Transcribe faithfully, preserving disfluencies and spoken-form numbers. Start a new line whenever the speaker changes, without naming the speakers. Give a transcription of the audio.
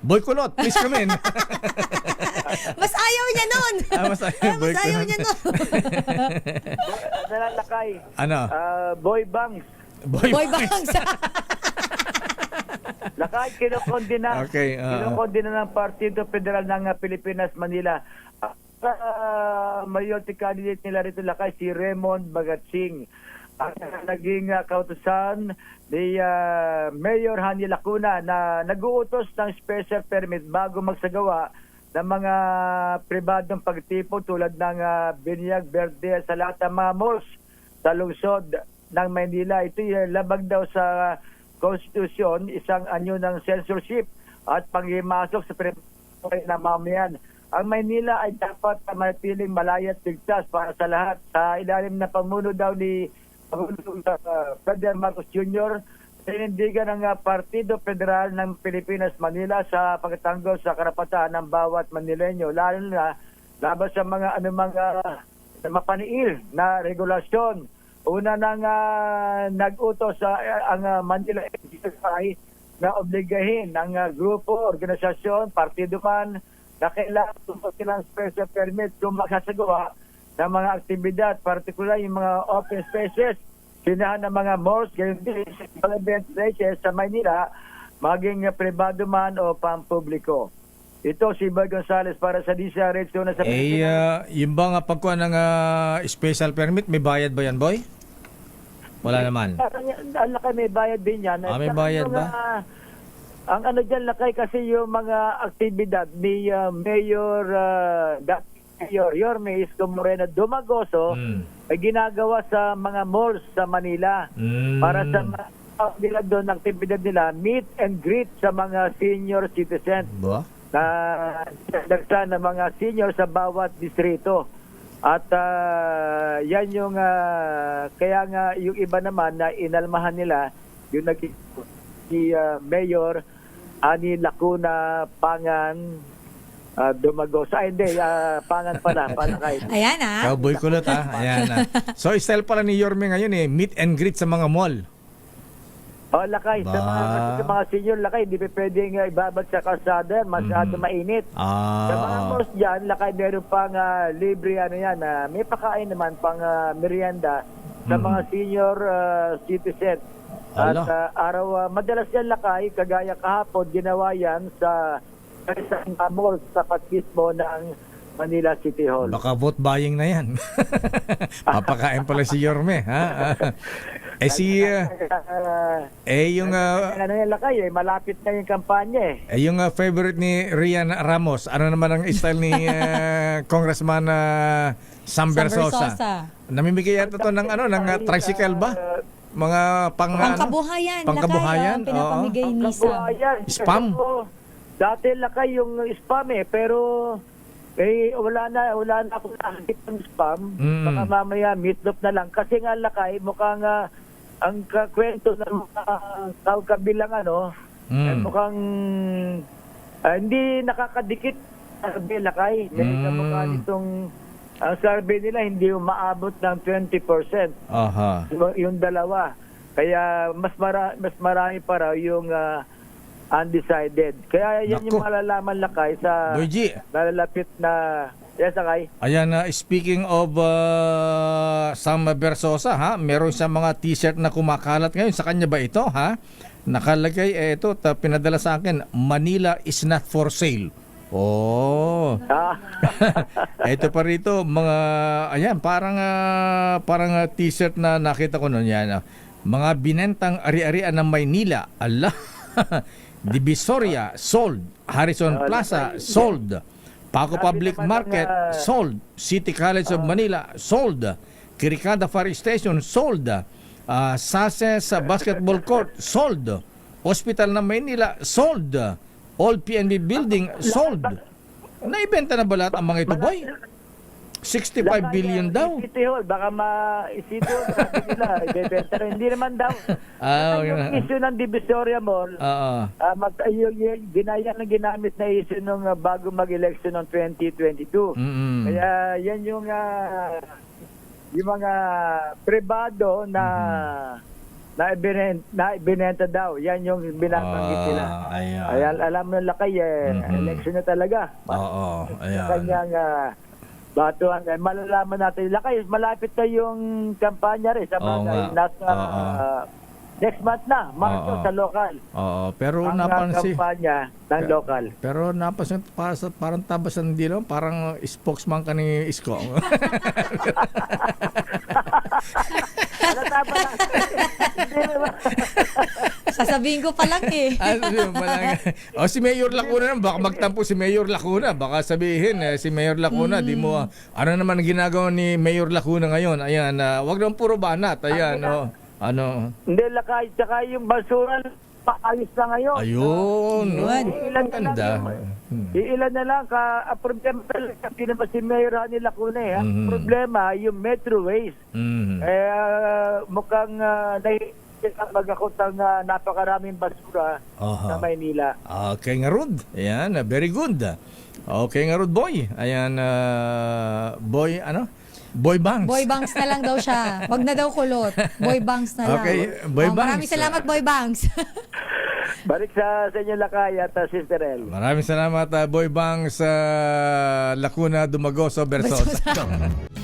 Boy Kulot, please come in.
Mas ayaw niya nun.
Ah, mas ayaw,
Ah,
Boy
mas ayaw
Kulot.
niya nun.
Nalalakay.
Ano?
Ah, Boy Bangs.
Boy,
Boy Bangs.
Lakay, kinukondina.
Okay, ah.
Kinukondina ng Partido Federal ng ah, Pilipinas, Manila. Uh, majority candidate nila rito, Lakay, si Raymond Bagatsing. Ang naging uh, kautusan ni uh, Mayor Hani Lacuna na nag-uutos ng special permit bago magsagawa ng mga pribadong pagtipo tulad ng uh, Binyag Verde sa lahat ng mga malls sa lungsod ng Maynila. Ito uh, labag daw sa konstitusyon, isang anyo ng censorship at panghimasok sa pribato ng mamayan. Ang Maynila ay dapat manatiling malaya at ligtas para sa lahat. Sa ilalim na pamuno daw ni Pangulong uh, Ferdinand Marcos Junior, sinindigan ng uh, Partido Federal ng Pilipinas, Manila sa pagtanggol sa karapatan ng bawat Manileño, lalo na laban sa mga anumang uh, mapaniil na regulasyon. Una nang uh, nag-utos sa uh, ang uh, Manila N G S I na obligahin ng uh, grupo, organisasyon, partido man na kailangan tumpok silang special permit kung magsasagawa ng mga aktibidad, particular yung mga open spaces, sinahan ng mga malls, gayon din mga event places sa Maynila, maging uh, privado man o pampubliko. Ito si Boy Gonzales para sa D C R H na sa
Eh, uh, yung ba nga pagkuha ng uh, special permit, may bayad ba yan, Boy? Wala naman.
Ang lakay may bayad din yan.
Ah, may
Saka
bayad
yung,
ba?
ah, ang ano dyan lakay kasi yung mga aktibidad ni uh, Mayor uh, dating Mayor Yorme Isko Moreno Dumagoso
Mm.
ay ginagawa sa mga malls sa Manila
Mm.
para sa mga tao nila doon, aktibidad nila, meet and greet sa mga senior citizens
Ba?
na dagsa ng mga senior sa bawat distrito. At ah, yan yung ah, kaya nga yung iba naman na inalmahan nila yung nag si ah, Mayor Ani Lacuna Pangan uh, Dumagoso. Ay hindi, ah, Pangan pala, Palakay.
Ayan ah.
Cowboy Kulot, ha? Ayan, ha? So, style pala ni Yorme ngayon, eh, meet and greet sa mga mall.
Oh, lakay. Sa mga,
Ba?
kasi sa mga senior, lakay, hindi pa pwedeng uh, ibabad sa kalsada, masyado
Mhm.
mainit. Sa mga
Ah.
malls dyan, lakay, meron pang ah, libre, ano yan, ah, may pakain naman, pang ah, merienda sa
Mhm.
mga senior ah, citizen. At
Ala.
ah, araw, ah, madalas yan, lakay, kagaya kahapon, ginawa yan sa isang uh, mall sa mismo ng Manila City Hall.
Baka vote buying na yan. Papakain pala si Yorme, ha? eh si... uh,
Ah,
eh yung... uh,
ano yan, lakay, eh, malapit na yung kampanya eh.
eh yung uh, favorite ni Rian Ramos, ano naman ang style ni uh, Congressman uh, Sam Versosa?
Versosa.
Namimigay yata to ng ano, ng uh, tricycle ba? Mga pang... ano?
Pangkabuhayan.
Pangkabuhayan,
Lakay, ah, pinapamigay
Ang
ni Sam.
kabuhayan.
Spam?
Oo. Dati lakay yung spam eh, pero eh, wala na, wala na akong nakakita ng spam.
Mm.
Baka mamaya meatloaf na lang. Kasi nga lakay, mukhang uh, ang kwento ng mga uh, kabilang ano,
Mm.
eh, mukhang ah, hindi nakakadikit survey lakay. Dahil sa
Mm.
mukha nitong ang survey nila hindi umaabot ng twenty percent.
Aha.
Yung, yung dalawa. Kaya mas mara, mas marami pa raw yung ah, undecided. Kaya yan yung
Naku.
malalaman lakay sa
Boy G,
nalalapit na yes, sakay.
ayan na, speaking of uh, Sam Versosa, ha? Meron siyang mga t-shirt na kumakalat ngayon. Sa kanya ba ito, ha? Nakalagay, eh, ito, ta, pinadala sa akin, Manila is not for sale. Oh.
Ah,
Ito pa rito, mga, ayan, parang, ah, parang ah, t-shirt na nakita ko noon yan. ah. Mga binentang ari-arian ng Maynila. Allah. Divisoria, sold. Harrison Plaza, sold. Paco
Sabi
Public
naman ng,
Market,
ah,
sold. City College of Manila, sold. Kirikada Fire Station, sold. Uh, Sase sa Basketball Court, sold. Hospital ng Maynila, sold. Old P N B Building, sold. Naibenta na ba lahat ang mga ito, boy? sixty-five billion daw.
City Hall, baka ma-City Hall, sabi nila, ibebenta rin. Hindi naman daw.
Ah,
Kasi yung
okay na.
issue ng Divisoria Mall,
Oo.
ah, mag, ay, yung, yung, ginaya na ginamit na issue nung ah, bago mag-election ng twenty twenty-two.
Mm-mm.
Kaya yan yung ah, yung mga pribado na na ibinenta, na ibinenta daw. Yan yung binabanggit
Ah,
nila.
ayan.
Ayan, alam mo lakay eh,
Mhm.
election na talaga.
Oo,
Sa
ayan.
kanyang uh, batuan. Eh, malalaman natin. Lakay, malapit na yung kampanya rin. Sa
Oo
bagay,
nga.
nasa
Oo.
ah, next month na, Marso
Oo.
sa local.
Oo, pero
Ang ah,
napansin.
kampanya ng
Ka-
local.
Pero napansin, para sa, parang tabasan din, no? Parang spokesman ka ni Isko.
Ano tama lang? Hindi naman.
Sasabihin ko pa lang eh.
Ano yun, malang, o si Mayor Lacuna naman, baka magtampo si Mayor Lacuna. Baka sabihin, eh, si Mayor Lacuna, di mo, ano naman ang ginagawa ni Mayor Lacuna ngayon? Ayan, uh, wag naman puro banat. Ayan, oh, ano.
Hindi, lakay. Tsaka yung basura, paayos na ngayon.
Ayun.
Yun.
Oh,
Ilan na lang
ganda.
yung-
Hmm.
Iilan na lang ka, ang problema talaga, kasi naman si Mayor Hani Lacuna eh. Ang
Mhm.
problema, yung Metro Waste.
Mhm.
Eh, ah, mukhang uh, nahihiyak mag-akot ang ah, napakaraming basura
Aha.
sa Maynila.
Okay nga Rod. Ayan, uh, very good. Okay nga Rod, boy. Ayan, uh, boy, ano? Boy Banks.
Boy Banks na lang daw siya. Wag na daw kulot. Boy Banks na lang.
Okay, Boy
Oh, Maraming
Banks.
salamat, Boy Banks.
Balik sa, sa inyo lakay at uh, Sister El.
Maraming salamat, uh, Boy Banks, uh, Lacuna, Dumagoso, Versosa.